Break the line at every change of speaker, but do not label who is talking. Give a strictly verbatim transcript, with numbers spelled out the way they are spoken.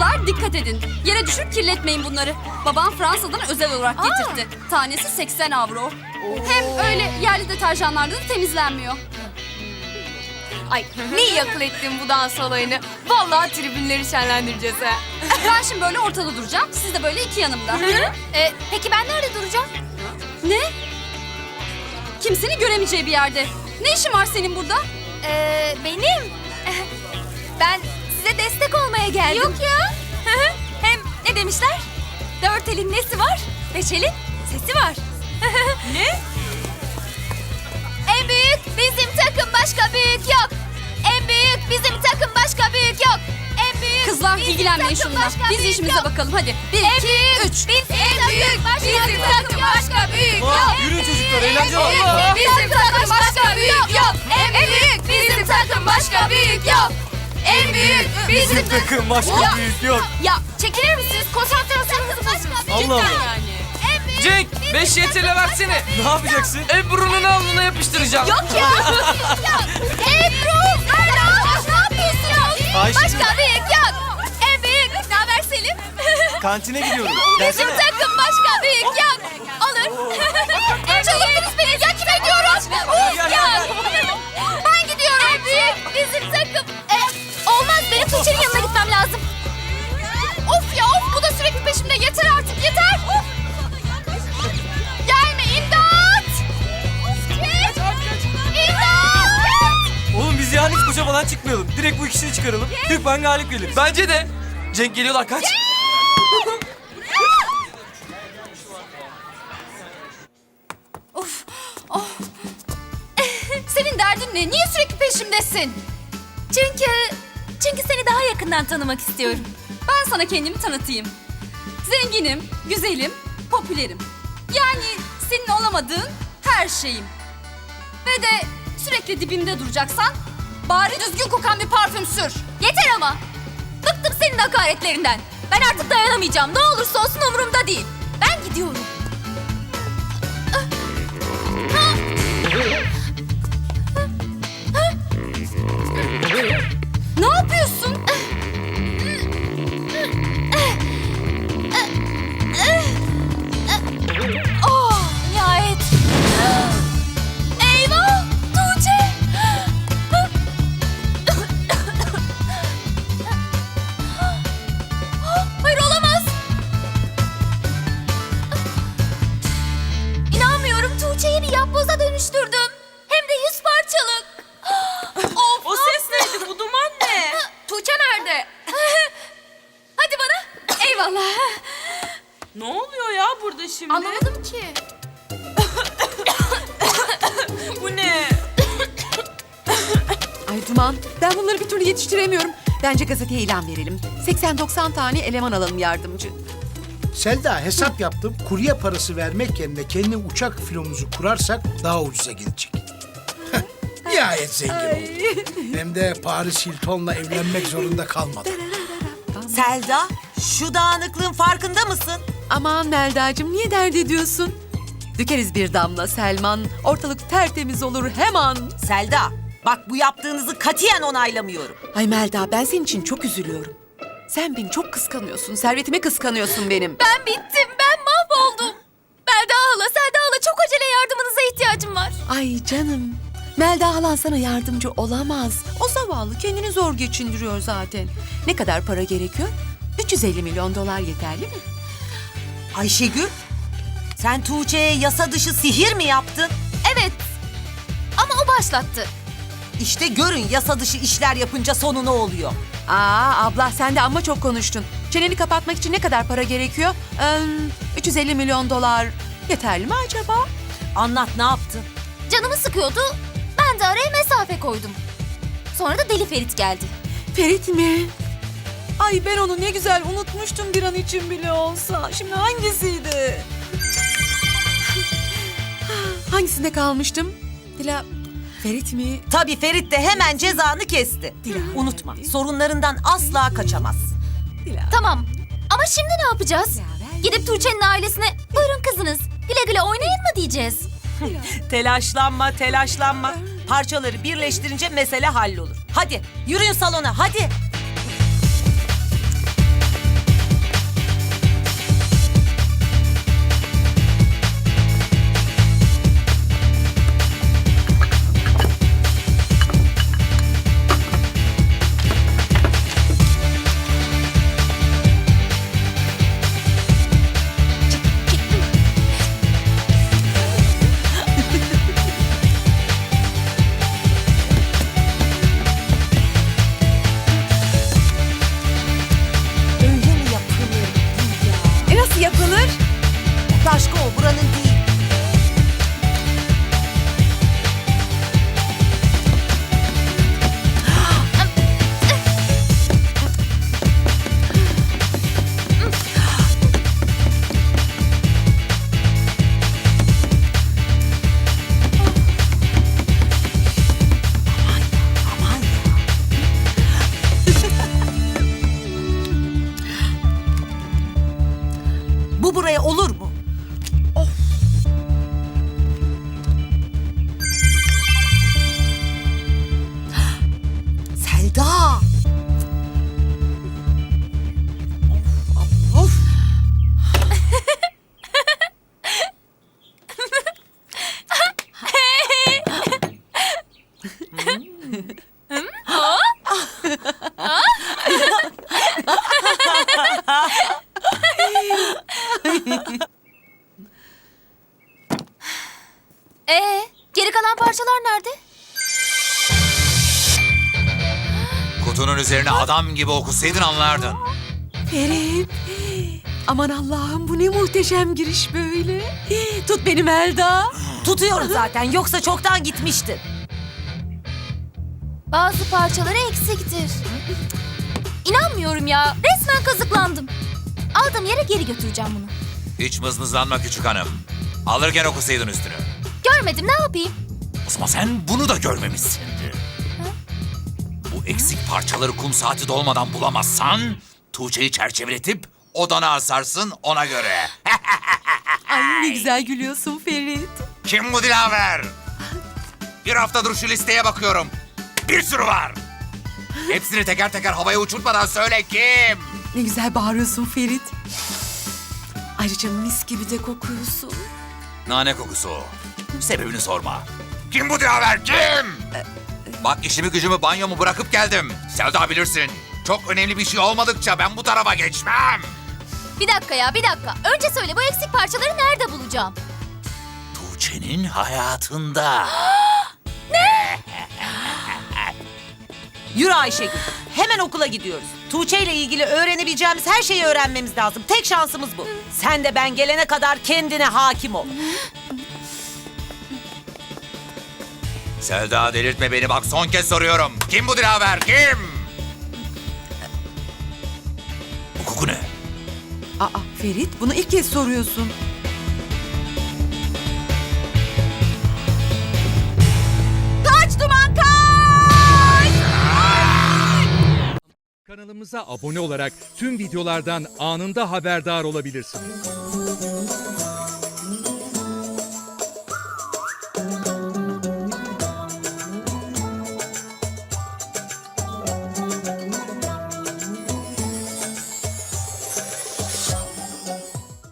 Kızlar dikkat edin. Yere düşür kirletmeyin bunları. Babam Fransa'dan özel olarak getirtti. Tanesi seksen avro. Hem öyle yerli deterjanlarda da temizlenmiyor.
Ay ne iyi akıl ettin bu dans olayını. Vallahi tribünleri şenlendireceğiz ha.
Ben şimdi böyle ortada duracağım. Siz de böyle iki yanımda.
Ee, peki ben nerede duracağım?
Ne? Kimsenin göremeyeceği bir yerde. Ne işin var senin burada?
Ee, benim. Ben size destek olmaya geldim. Yok ya. Hem ne demişler? Dört elin nesi var? Beş elin sesi var. Ne? En büyük bizim takım, başka büyük yok. En büyük bizim takım, başka büyük yok. En büyük
Kızlar
bizim
ilgilenmeyin
takım,
şununla.
başka
Biz
büyük
işimize
yok.
bakalım hadi. Bir,
En
iki,
büyük
üç.
bizim en büyük bizim takım, başka büyük yok.
Aa, yürüyün çocuklar, eğlence var.
En büyük bizim takım, başka büyük yok. En büyük bizim takım, başka büyük yok. En büyük bizim
Bizim takım başka büyük yok.
Ya çekilir misiniz? Konsantrasyonunuzu bozuyorsunuz.
Allah Allah.
Yani. En büyük
Cenk, beş yetele versene.
Ne yapacaksın?
Ebru'nun alnına yapıştıracağım.
Yok ya. ya. Ebru, Erdal, ne yapıyorsun?
Ayşegül.
Başka büyük yok. En büyük. Ne haber Selim?
Kantine gidiyorum.
Bizim
Gelsene.
takım başka büyük yok. Olur. Çalındınız beni. Ya kime diyoruz? Uf ya. Ben gidiyorum. En büyük bizim takım. E, olmaz. Benim Tuğçe'nin yanına gitmem lazım. Of ya of. Bu da sürekli peşimde. Yeter artık. Yeter. Of. Gelme imdat. İmdat.
Oğlum biz yani hiç koşa falan çıkmayalım. Direkt bu ikisini çıkaralım. Türkmen galip gelir.
Bence de. Cenk geliyorlar, kaç.
Of. Oh. Senin derdin ne? Niye sürekli peşimdesin?
Çünkü, çünkü seni daha yakından tanımak istiyorum.
Ben sana kendimi tanıtayım. Zenginim, güzelim, popülerim. Yani senin olamadığın her şeyim. Ve de sürekli dibimde duracaksan bari düzgün kokan bir parfüm sür.
Yeter ama. Bıktım senin hakaretlerinden. Ben artık dayanamayacağım. Ne olursa olsun umurumda değil. Ben gidiyorum.
Ne yapıyorsun?
Oh, nihayet. Eyvah! Tuğçe! Hayır olamaz. İnanmıyorum, Tuğçe'yi bir yapboza dönüştürdüm. Hem de yüz parçalık. Of,
O ses neydi? Bu duman ne?
Tuğçe nerede? Hadi bana.
Eyvallah.
Ne oluyor ya burada şimdi?
Anlamadım ki.
Bu ne?
Ay Duman, ben bunları bir türlü yetiştiremiyorum. Bence gazeteye ilan verelim. seksen doksan tane eleman alalım yardımcı.
Selda hesap yaptım. Kurye parası vermek yerine kendi uçak filomuzu kurarsak daha ucuza gidecek. Nihayet zengin oldum. Hem de Paris Hilton'la evlenmek zorunda kalmadım.
Selda, şu dağınıklığın farkında mısın?
Aman Melda'cığım niye dert ediyorsun? Dökeriz bir damla Selman, ortalık tertemiz olur hemen.
Selda, bak bu yaptığınızı katiyen onaylamıyorum.
Ay Melda ben senin için çok üzülüyorum. Sen beni çok kıskanıyorsun, servetimi kıskanıyorsun benim.
Ben bittim, ben mahvoldum. Melda hala, Selda hala çok acele yardımınıza ihtiyacım var.
Ay canım, Melda halan sana yardımcı olamaz. O zavallı kendini zor geçindiriyor zaten. Ne kadar para gerekiyor? üç yüz elli milyon dolar yeterli mi?
Ayşegül, sen Tuğçe'ye yasa dışı sihir mi yaptın?
Evet, ama o başlattı.
İşte görün yasa dışı işler yapınca sonu ne oluyor?
Aa abla sen de amma çok konuştun. Çeneni kapatmak için ne kadar para gerekiyor? Ee, üç yüz elli milyon dolar yeterli mi acaba?
Anlat, ne yaptın?
Canımı sıkıyordu, ben de araya mesafe koydum. Sonra da Deli Ferit geldi.
Ferit mi? Ay ben onu ne güzel unutmuştum bir an için bile olsa. Şimdi hangisiydi? Hangisinde kalmıştım? Dila, Ferit mi?
Tabii Ferit de hemen cezanı kesti.
Dila.
Unutma, sorunlarından asla kaçamaz.
Dila.
Tamam, ama şimdi ne yapacağız? Gidip Tuğçe'nin ailesine, buyurun kızınız, güle güle oynayın mı diyeceğiz?
Telaşlanma, telaşlanma. Parçaları birleştirince mesele hallolur. Hadi, yürüyün salona, hadi. başka o, buranın değil. Aman ya. Bu buraya olur mu? Of. Selda. Of, of.
Ee, geri kalan parçalar nerede?
Kutunun üzerine adam gibi okusaydın anlardın.
Ferit. Aman Allah'ım bu ne muhteşem giriş böyle. Tut beni Melda.
Tutuyorum zaten, yoksa çoktan gitmiştin.
Bazı parçaları eksiktir. İnanmıyorum ya. Resmen kazıklandım. Aldığım yere geri götüreceğim bunu.
Hiç mızmızlanma küçük hanım. Alırken okusaydın üstünü.
Görmedim, ne yapayım?
O zaman sen bunu da görmemişsindir. Bu eksik parçaları kum saati dolmadan bulamazsan... Tuğçe'yi çerçeveletip odana asarsın ona göre.
Ay ne güzel gülüyorsun Ferit.
Kim bu Dilaver? Bir haftadır şu listeye bakıyorum. Bir sürü var. Hepsini teker teker havaya uçurtmadan söyle kim?
Ne güzel bağırıyorsun Ferit. Ayrıca mis gibi de kokuyorsun.
Nane kokusu o. Sebebini sorma. Kim bu Dilaver, kim? Bak işimi gücümü banyomu bırakıp geldim. Selda bilirsin. Çok önemli bir şey olmadıkça ben bu tarafa geçmem.
Bir dakika ya, bir dakika. Önce söyle, bu eksik parçaları nerede bulacağım?
Tuğçe'nin hayatında.
Yürü Ayşegül. Hemen okula gidiyoruz. Tuğçe ile ilgili öğrenebileceğimiz her şeyi öğrenmemiz lazım. Tek şansımız bu. Sen de ben gelene kadar kendine hakim ol.
Selda delirtme beni bak son kez soruyorum. Kim bu Dilaver, kim? Bu koku ne?
Aa Ferit bunu ilk kez soruyorsun.
Kaç duman kaç!
Kanalımıza abone olarak tüm videolardan anında haberdar olabilirsiniz.